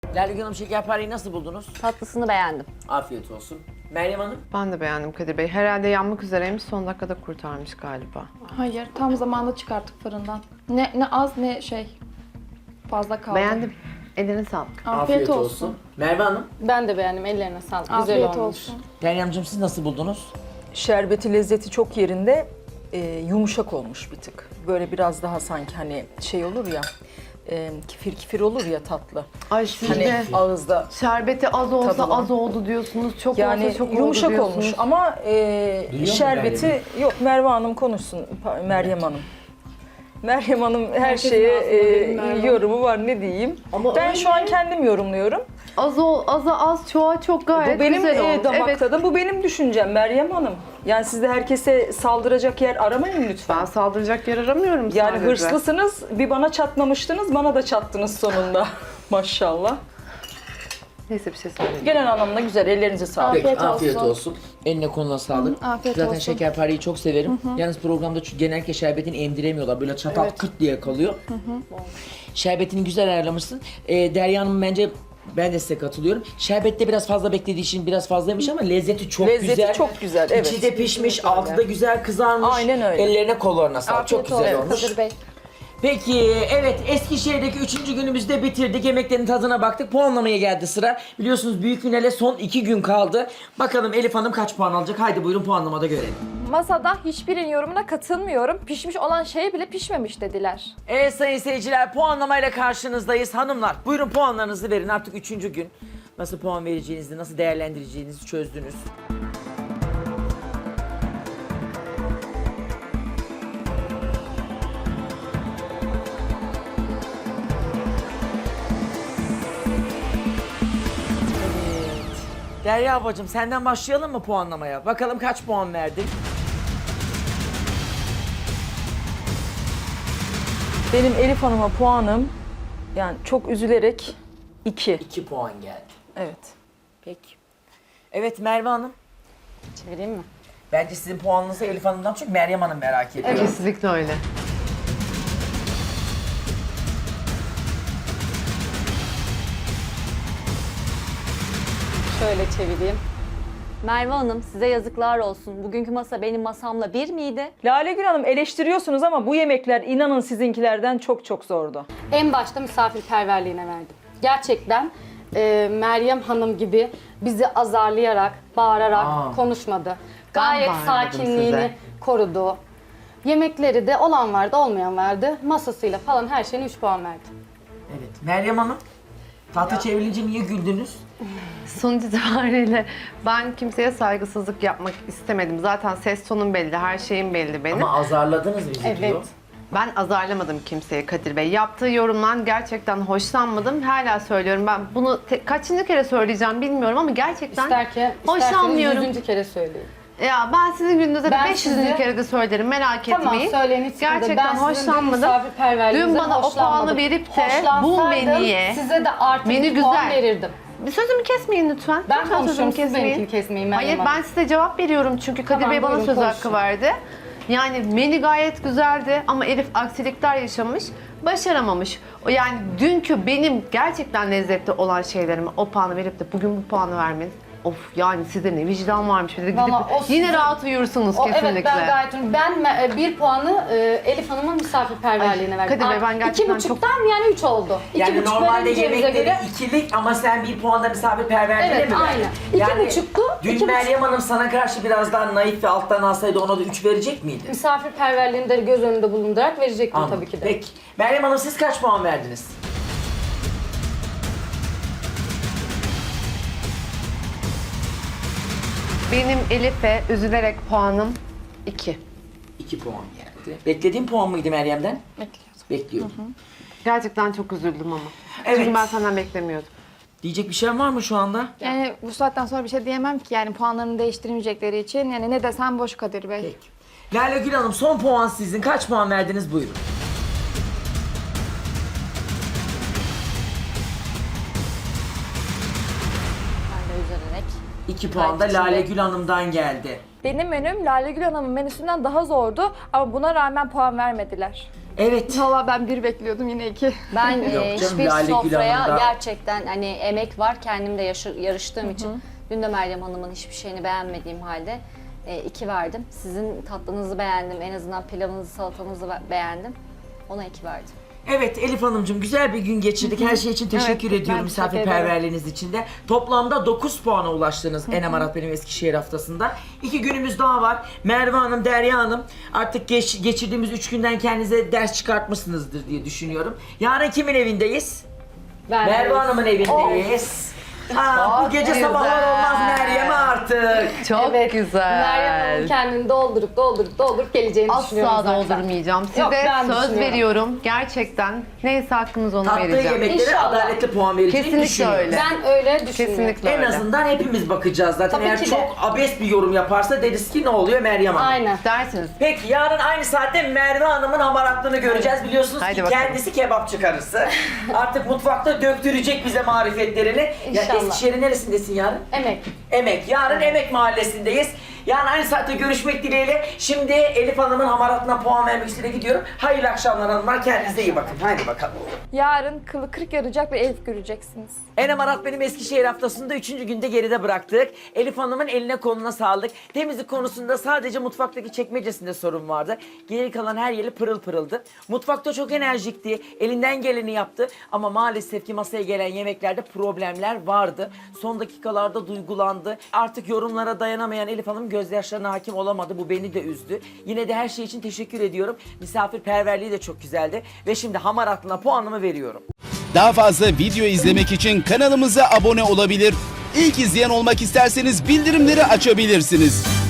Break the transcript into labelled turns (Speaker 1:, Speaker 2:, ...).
Speaker 1: Lale Hanım şekerpareyi nasıl buldunuz?
Speaker 2: Tatlısını beğendim.
Speaker 1: Afiyet olsun. Meryem Hanım?
Speaker 3: Ben de beğendim Kadir Bey. Herhalde yanmak üzereymiş, son dakikada kurtarmış galiba.
Speaker 4: Hayır, tam zamanında çıkarttık fırından. Ne az ne şey. Fazla kaldı.
Speaker 3: Beğendim. Eline sağlık.
Speaker 4: Afiyet olsun.
Speaker 1: Merve Hanım?
Speaker 5: Ben de beğendim. Ellerine sağlık. Güzel
Speaker 4: Afiyet
Speaker 5: olmuş.
Speaker 4: olsun.
Speaker 1: Meryemciğim siz nasıl buldunuz?
Speaker 6: Şerbeti, lezzeti çok yerinde, yumuşak olmuş bir tık. Böyle biraz daha sanki hani şey olur ya, kifir kifir olur ya tatlı.
Speaker 3: Ay siz
Speaker 6: Hani
Speaker 3: de
Speaker 6: ağızda
Speaker 3: şerbeti az olsa
Speaker 6: Tadı var.
Speaker 3: az oldu diyorsunuz. Çok
Speaker 6: yani
Speaker 3: olsa çok
Speaker 6: yumuşak
Speaker 3: oldu diyorsunuz.
Speaker 6: olmuş ama
Speaker 1: mu
Speaker 6: şerbeti
Speaker 1: Meryem?
Speaker 6: yok. Merve Hanım konuşsun. Meryem Hanım. Meryem Hanım her
Speaker 4: Herkesin
Speaker 6: şeye
Speaker 4: ağzında benim Merve.
Speaker 6: yorumu var, ne diyeyim.
Speaker 3: Ama
Speaker 6: Ben
Speaker 3: öyle.
Speaker 6: şu an kendim yorumluyorum.
Speaker 3: Aza az, çoğa çok gayet
Speaker 6: Bu benim
Speaker 3: güzel olmuş.
Speaker 6: damak
Speaker 3: Evet.
Speaker 6: tadım, bu benim düşüncem Meryem Hanım. Yani siz de herkese saldıracak yer aramayın lütfen.
Speaker 3: Ben saldıracak yer aramıyorum
Speaker 6: Yani
Speaker 3: sadece.
Speaker 6: hırslısınız, bir bana çatmamıştınız, bana da çattınız sonunda. Maşallah.
Speaker 3: Neyse bir şey söyleyeyim.
Speaker 6: Genel anlamda güzel, ellerinize sağlık.
Speaker 1: Peki,
Speaker 4: Afiyet
Speaker 1: afiyet
Speaker 4: olsun.
Speaker 1: olsun. Eline koluna sağlık.
Speaker 4: afiyet
Speaker 1: Zaten
Speaker 4: olsun.
Speaker 1: şekerpareyi çok severim. Yalnız programda genellikle şerbetini emdiremiyorlar. Böyle çatal kıt diye kalıyor. Şerbetini güzel ayarlamışsın. Derya Hanım bence ben de size katılıyorum. Şerbette biraz fazla beklediği için biraz fazlaymış ama lezzeti çok
Speaker 6: Lezzeti
Speaker 1: güzel.
Speaker 6: çok güzel, evet.
Speaker 1: İçi de pişmiş, altı da güzel kızarmış.
Speaker 6: Aynen öyle.
Speaker 1: Ellerine kollarına sağlık. Çok
Speaker 4: Afiyet
Speaker 1: güzel
Speaker 4: olsun
Speaker 1: olmuş.
Speaker 4: Kadir Bey.
Speaker 1: Peki, evet Eskişehir'deki 3. günümüzü de bitirdik. Yemeklerin tadına baktık. Puanlamaya geldi sıra. Biliyorsunuz büyük finale son 2 gün kaldı. Bakalım Elif Hanım kaç puan alacak? Haydi buyurun puanlamada görelim.
Speaker 4: Masada hiçbirinin yorumuna katılmıyorum. Pişmiş olan şey bile pişmemiş dediler.
Speaker 1: Evet sayın seyirciler, puanlamayla karşınızdayız. Hanımlar buyurun puanlarınızı verin. Artık 3. gün. Nasıl puan vereceğinizi, nasıl değerlendireceğinizi çözdünüz. Derya ablacığım senden başlayalım mı puanlamaya? Bakalım kaç puan verdin?
Speaker 6: Benim Elif Hanım'a puanım, yani çok üzülerek 2.
Speaker 1: 2 puan geldi.
Speaker 6: Evet.
Speaker 1: Peki. Evet Merve Hanım.
Speaker 5: Çevireyim mi?
Speaker 1: Bence sizin puanınızı Elif Hanım'dan çok Meryem Hanım merak ediyor.
Speaker 3: Kesinlikle öyle.
Speaker 5: Şöyle çevireyim.
Speaker 2: Merve Hanım size yazıklar olsun. Bugünkü masa benim masamla bir miydi?
Speaker 6: Lale Gül Hanım, eleştiriyorsunuz ama bu yemekler inanın sizinkilerden çok çok zordu.
Speaker 5: En başta misafirperverliğine verdim. Gerçekten Meryem Hanım gibi bizi azarlayarak, bağırarak konuşmadı. Gayet
Speaker 3: bağırmadım
Speaker 5: sakinliğini
Speaker 3: size.
Speaker 5: korudu. Yemekleri de olan vardı, olmayan vardı. Masasıyla falan her şeyine 3 puan verdi.
Speaker 1: Evet. Meryem Hanım. Tahta çevrilince niye güldünüz?
Speaker 3: Sonuç itibariyle ben kimseye saygısızlık yapmak istemedim. Zaten ses tonum belli, her şeyim belli benim.
Speaker 1: Ama azarladınız bizi
Speaker 5: Evet.
Speaker 1: diyor.
Speaker 3: Ben azarlamadım kimseye Kadir Bey. Yaptığı yorumdan gerçekten hoşlanmadım. Hala söylüyorum. Ben bunu kaçıncı kere söyleyeceğim bilmiyorum ama gerçekten
Speaker 5: İsterseniz
Speaker 3: hoşlanmıyorum.
Speaker 5: 100. kere söyleyin.
Speaker 3: Ya ben sizin gününüzde de
Speaker 5: Ben
Speaker 3: 500.
Speaker 5: sizi-
Speaker 3: kere de söylerim, merak
Speaker 5: Tamam
Speaker 3: etmeyin.
Speaker 5: söyleyin hiç sıkıntı değil.
Speaker 3: Gerçekten
Speaker 5: Ben sizin dün
Speaker 3: hoşlanmadım.
Speaker 5: misafirperverliğinizden
Speaker 3: Dün bana o
Speaker 5: hoşlanmadım.
Speaker 3: puanı verip de bu
Speaker 5: Hoşlansaydım
Speaker 3: menüye,
Speaker 5: size de artı
Speaker 3: menü
Speaker 5: bir puan
Speaker 3: güzel.
Speaker 5: verirdim.
Speaker 3: Bir sözümü kesmeyin lütfen.
Speaker 5: Ben
Speaker 3: Lütfen
Speaker 5: konuşuyorum,
Speaker 3: sözümü
Speaker 5: siz benimkini kesmeyin Meryem
Speaker 3: Hayır,
Speaker 5: Hanım.
Speaker 3: ben size cevap veriyorum çünkü Kadir
Speaker 5: Tamam,
Speaker 3: Bey bana
Speaker 5: buyurun,
Speaker 3: söz
Speaker 5: konuşun.
Speaker 3: hakkı verdi. Yani menü gayet güzeldi ama Elif aksilikler yaşamış, başaramamış. Yani dünkü benim gerçekten lezzetli olan şeylerime o puanı verip de bugün bu puanı vermeniz, of yani sizde ne vicdan varmış. Bir de gidip
Speaker 5: Vallahi o
Speaker 3: yine
Speaker 5: sizin-
Speaker 3: rahat uyursunuz kesinlikle.
Speaker 5: Evet ben gayet ben bir puanı Elif Hanım'ın misafirperverliğine
Speaker 3: Ay,
Speaker 5: verdim.
Speaker 3: Kadir Bey, ben gerçekten
Speaker 5: 2,5'tan yani 3 oldu.
Speaker 1: Yani
Speaker 5: 2,5
Speaker 1: normalde
Speaker 5: vereceğimize
Speaker 1: yemekleri
Speaker 5: göre
Speaker 1: 2'lik ama sen bir puanda misafirperverliğine
Speaker 5: Evet,
Speaker 1: mi verdin?
Speaker 5: aynen.
Speaker 1: Yani
Speaker 5: 2,5'tu,
Speaker 1: dün
Speaker 5: 2,5.
Speaker 1: Meryem Hanım sana karşı biraz daha naif ve alttan alsaydı ona da 3 verecek miydi?
Speaker 5: misafirperverliğini de göz önünde bulundurarak verecektim
Speaker 1: Anladım.
Speaker 5: tabii ki de.
Speaker 1: Peki. Meryem Hanım siz kaç puan verdiniz?
Speaker 3: Benim Elif'e üzülerek puanım 2.
Speaker 1: 2 puan geldi. Beklediğin puan mıydı Meryem'den?
Speaker 5: Bekliyordum.
Speaker 1: Bekliyordum.
Speaker 3: Gerçekten çok üzüldüm ama.
Speaker 1: Evet.
Speaker 3: Çünkü ben senden beklemiyordum.
Speaker 1: Diyecek bir şey var mı şu anda?
Speaker 4: Yani bu saatten sonra bir şey diyemem ki yani puanlarını değiştirmeyecekleri için. Yani ne desem boş Kadir Bey.
Speaker 1: Peki. Lale Gül Hanım son puan sizin. Kaç puan verdiniz buyurun.
Speaker 2: Ben de üzülerek.
Speaker 1: 2 puan da
Speaker 2: Gayet
Speaker 1: Lale
Speaker 2: içinde.
Speaker 1: Gül Hanım'dan geldi.
Speaker 4: Benim menüm Lale Gül Hanım'ın menüsünden daha zordu ama buna rağmen puan vermediler.
Speaker 1: Evet.
Speaker 4: Valla ben 1 bekliyordum, yine 2.
Speaker 2: Ben
Speaker 1: Yok canım,
Speaker 2: hiçbir
Speaker 1: Lale Gül
Speaker 2: sofraya
Speaker 1: Hanım'da-
Speaker 2: gerçekten hani emek var. Kendim de yarıştığım için. Dün de Meryem Hanım'ın hiçbir şeyini beğenmediğim halde 2 verdim. Sizin tatlınızı beğendim. En azından pilavınızı, salatanızı beğendim. Ona 2 verdim.
Speaker 1: Evet Elif Hanımcığım, güzel bir gün geçirdik. Her şey için teşekkür
Speaker 4: Evet,
Speaker 1: ediyorum
Speaker 4: ben teşekkür
Speaker 1: misafirperverliğiniz için de. Toplamda 9 puana ulaştınız Enem Arat benim Eskişehir haftasında. 2 günümüz daha var. Merve Hanım, Derya Hanım, artık geçirdiğimiz 3 günden kendinize ders çıkartmışsınızdır diye düşünüyorum. Yarın kimin evindeyiz? Merve Hanım'ın evindeyiz. Aa, bu gece
Speaker 3: güzel.
Speaker 1: sabahlar olmaz Meryem'e artık.
Speaker 3: Çok
Speaker 5: Evet.
Speaker 3: güzel.
Speaker 5: Meryem Hanım kendini doldurup geleceğini düşünüyorum
Speaker 3: Asla
Speaker 5: zaten.
Speaker 3: doldurmayacağım. Size
Speaker 5: Yok, ben
Speaker 3: söz
Speaker 5: düşünüyorum.
Speaker 3: veriyorum. Gerçekten neyse hakkınız onu
Speaker 1: Tatlı
Speaker 3: vereceğim.
Speaker 1: yemeklere
Speaker 5: İnşallah.
Speaker 1: adaletli puan vereceğini
Speaker 3: Kesinlikle
Speaker 1: düşünüyorum.
Speaker 3: öyle.
Speaker 5: Ben öyle düşünüyorum.
Speaker 3: Kesinlikle
Speaker 1: En
Speaker 3: öyle.
Speaker 1: azından hepimiz bakacağız zaten.
Speaker 5: Tabii
Speaker 1: Eğer
Speaker 5: ki de.
Speaker 1: çok abes bir yorum yaparsa deriz ki ne oluyor Meryem Hanım?
Speaker 5: Aynen.
Speaker 3: Dersiniz.
Speaker 1: Peki yarın aynı saatte Merve Hanım'ın hamaratlığını göreceğiz. Biliyorsunuz
Speaker 3: Haydi
Speaker 1: ki
Speaker 3: bakalım.
Speaker 1: kendisi kebapçı karısı. Artık mutfakta döktürecek bize marifetlerini. Ya
Speaker 5: İnşallah.
Speaker 1: Eskişehir'in neresindesin yarın?
Speaker 5: Emek.
Speaker 1: Emek. Yarın Emek Mahallesi'ndeyiz. Yani aynı saatte görüşmek dileğiyle. Şimdi Elif Hanım'ın hamaratlığına puan vermek üzere gidiyorum. Hayırlı akşamlar hanımlar. Kendinize iyi bakın. Haydi bakalım.
Speaker 4: Yarın kılı kırık yarayacak bir Elif göreceksiniz.
Speaker 1: Enem Arat benim Eskişehir haftasında 3. günde geride bıraktık. Elif Hanım'ın eline koluna sağlık. Temizlik konusunda sadece mutfaktaki çekmecesinde sorun vardı. Geri kalan her yeri pırıl pırıldı. Mutfakta çok enerjikti. Elinden geleni yaptı. Ama maalesef ki masaya gelen yemeklerde problemler vardı. Son dakikalarda duygulandı. Artık yorumlara dayanamayan Elif Hanım gözyaşlarına hakim olamadı. Bu beni de üzdü. Yine de her şey için teşekkür ediyorum. Misafirperverliği de çok güzeldi. Ve şimdi hamaratlığına puanımı veriyorum.
Speaker 7: Daha fazla video izlemek için kanalımıza abone olabilir. İlk izleyen olmak isterseniz bildirimleri açabilirsiniz.